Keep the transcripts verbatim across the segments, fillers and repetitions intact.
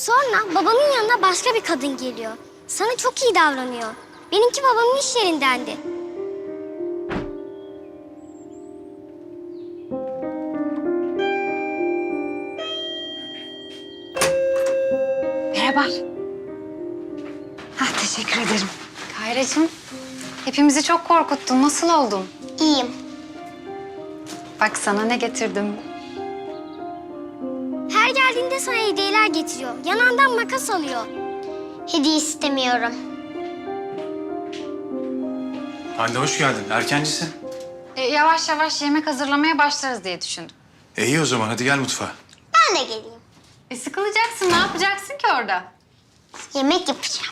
Sonra babamın yanına başka bir kadın geliyor. Sana çok iyi davranıyor. Benimki babamın iş yerindendi. Merhaba. Ah, teşekkür ederim. Kayracığım, hepimizi çok korkuttun. Nasıl oldun? İyiyim. Bak sana ne getirdim. Her geldiğinde sana hediyeler getiriyor. Yanağından makas alıyor. Hediye istemiyorum. Hande hoş geldin. Erkencisin. E, yavaş yavaş yemek hazırlamaya başlarız diye düşündüm. E iyi o zaman hadi gel mutfağa. Ben de geleyim. E, sıkılacaksın. Ne yapacaksın ki orada? Yemek yapacağım.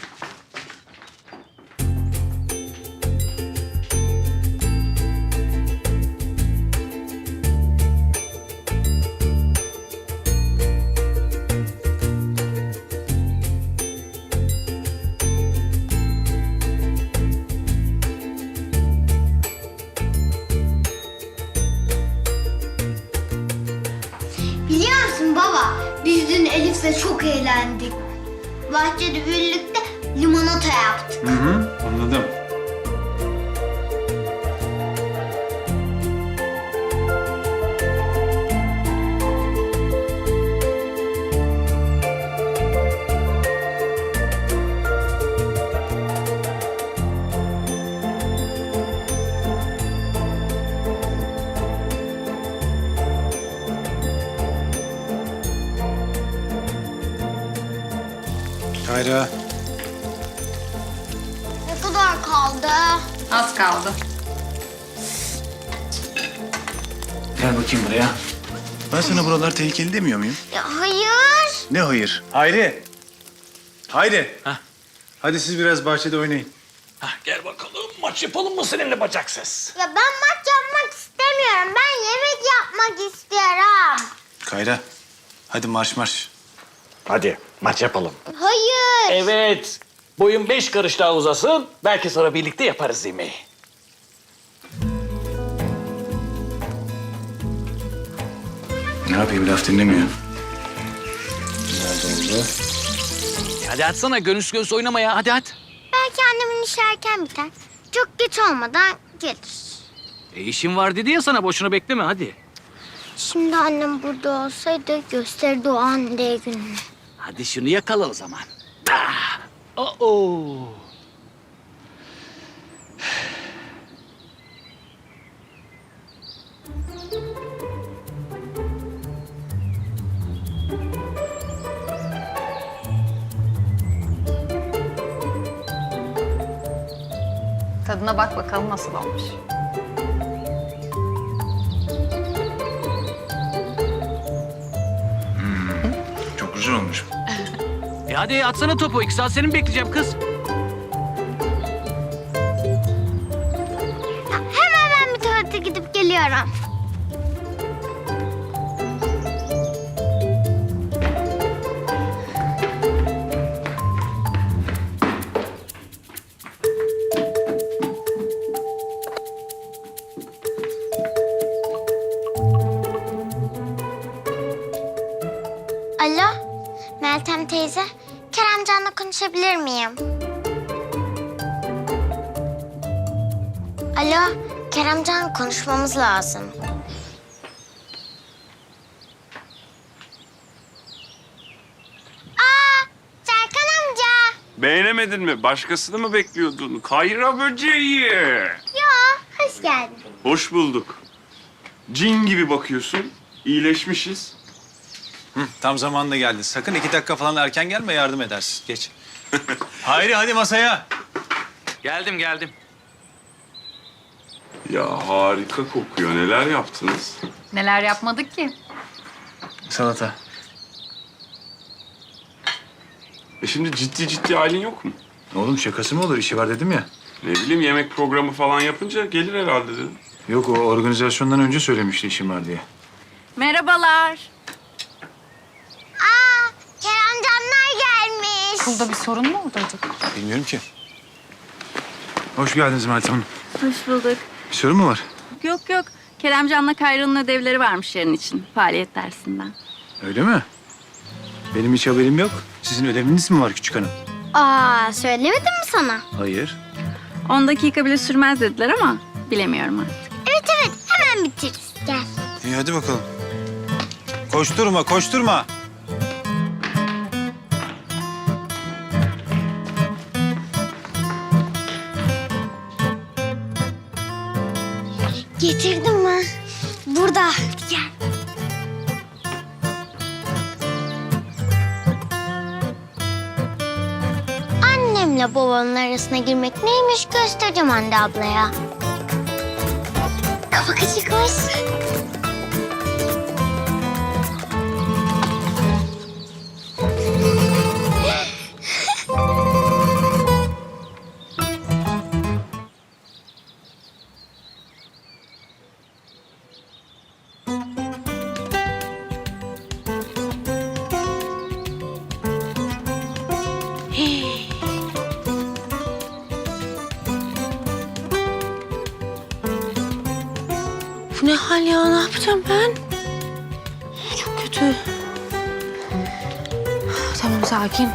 Biliyor musun baba? Biz dün Elif'le çok eğlendik. Bahçede birlikte limonata yaptık. Hı hı anladım. Kayra. Ne kadar kaldı? Az kaldı. Gel bakayım buraya. Ben sana buralar tehlikeli demiyor muyum? Ya hayır. Ne hayır? Hayri. Hayri. Hah. Hadi siz biraz bahçede oynayın. Hah, gel bakalım maç yapalım mı seninle bacaksız? Ya ben maç yapmak istemiyorum. Ben yemek yapmak istiyorum. Kayra. Hadi marş marş. Hadi maç yapalım. Hayır. Evet. Boyun beş karış daha uzasın. Belki sonra birlikte yaparız yemeği. Ne yapayım laf dinlemiyor. Nerede oldu? Hadi atsana gönüs göz oynamaya hadi at. Belki annemin işi erken biter. Çok geç olmadan gelir. E işim var dedi ya sana boşuna bekleme hadi. Şimdi annem burada olsaydı gösterirdi o anne gününü. Hadi şunu yakala o zaman. Ah! Oo. Tadına bak bakalım nasıl olmuş. Çok güzel olmuş. E hadi atsana topu. İki saat seni mi bekleyeceğim kız? Hemen ben bir tuvalete gidip geliyorum. Alo, Meltem teyze. Keremcan'la konuşabilir miyim? Alo, Keremcan konuşmamız lazım. Aa, Serkan amca. Beğenemedin mi? Başkasını mı bekliyordun? Kayra böceği. Ya, hoş geldin. Hoş bulduk. Cin gibi bakıyorsun. İyileşmişiz. Hı, tam zamanında geldin. Sakın iki dakika falan erken gelme yardım edersin. Geç. Hayri hadi masaya. Geldim geldim. Ya harika kokuyor. Neler yaptınız? Neler yapmadık ki? Salata. E şimdi ciddi ciddi halin yok mu? Oğlum şakası mı olur? İşi var dedim ya. Ne bileyim yemek programı falan yapınca gelir herhalde dedim. Yok o organizasyondan önce söylemişti işim var diye. Merhabalar. Aa, Keremcanlar gelmiş. Okulda bir sorun mu oldu acaba? Bilmiyorum ki. Hoş geldiniz Meltem Hanım. Hoş bulduk. Bir sorun mu var? Yok yok. Keremcan'la Kayra'nın ödevleri varmış yarın için. Faaliyet dersinden. Öyle mi? Benim hiç haberim yok. Sizin ödeviniz mi var küçük hanım? Aa, söylemedim mi sana? Hayır. On dakika bile sürmez dediler ama bilemiyorum artık. Evet evet, hemen bitiririz. Gel. İyi hadi bakalım. Koşturma, koşturma. Getirdim mi? Burada. Gel. Annemle babanın arasına girmek neymiş göstereceğim Hande ablaya. Kafa kaçıkmış. Bu ne hal ya? Ne yapacağım ben? Çok kötü. Tamam, sakin.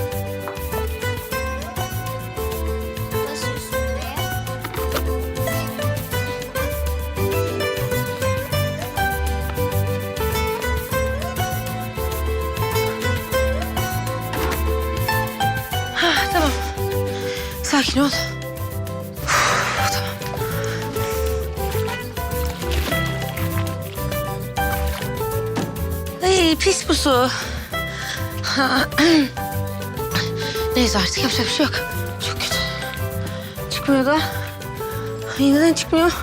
Ha, tamam. Sakin ol. Uf, tamam. Ay, pis bu su. Ha, neyse artık yapacak bir şey yok. Çok kötü. Çıkmıyor da. Ay, neden çıkmıyor?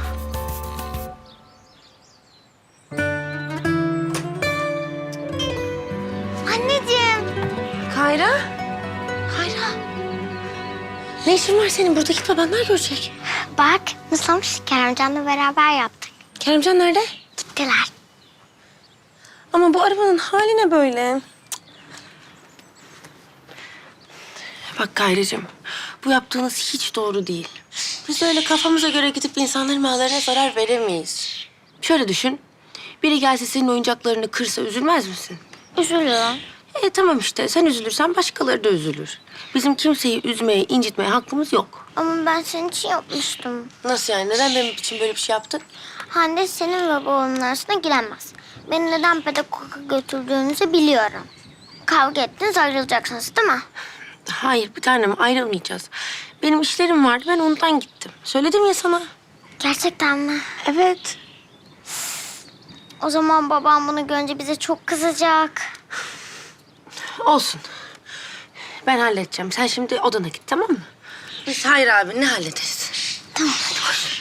Anneciğim. Kayra? Kayra. Ne işin var senin burada? Git, babanlar görecek. Bak nasıl olmuş? Keremcan'la beraber yaptık. Keremcan nerede? Gittiler. Ama bu arabanın hali ne böyle? Bak Kayracığım, bu yaptığınız hiç doğru değil. Biz öyle kafamıza göre gidip insanların mallarına zarar veremeyiz. Şöyle düşün, biri gelse senin oyuncaklarını kırsa üzülmez misin? Üzülüyorum. E tamam işte, sen üzülürsen başkaları da üzülür. Bizim kimseyi üzmeye, incitmeye hakkımız yok. Ama ben senin için yapmıştım. Nasıl yani? Neden benim için böyle bir şey yaptın? Hande senin ve babamın arasına giremez. Beni neden pedagoga götürdüğünüzü biliyorum. Kavga ettiniz, ayrılacaksınız değil mi? Hayır bir tanem, ayrılmayacağız. Benim işlerim vardı, ben ondan gittim. Söyledim ya sana. Gerçekten mi? Evet. O zaman babam bunu görünce bize çok kızacak. Olsun. Ben halledeceğim. Sen şimdi odana git, tamam mı? Biz Hayri abinle hallederiz. Tamam hadi koş.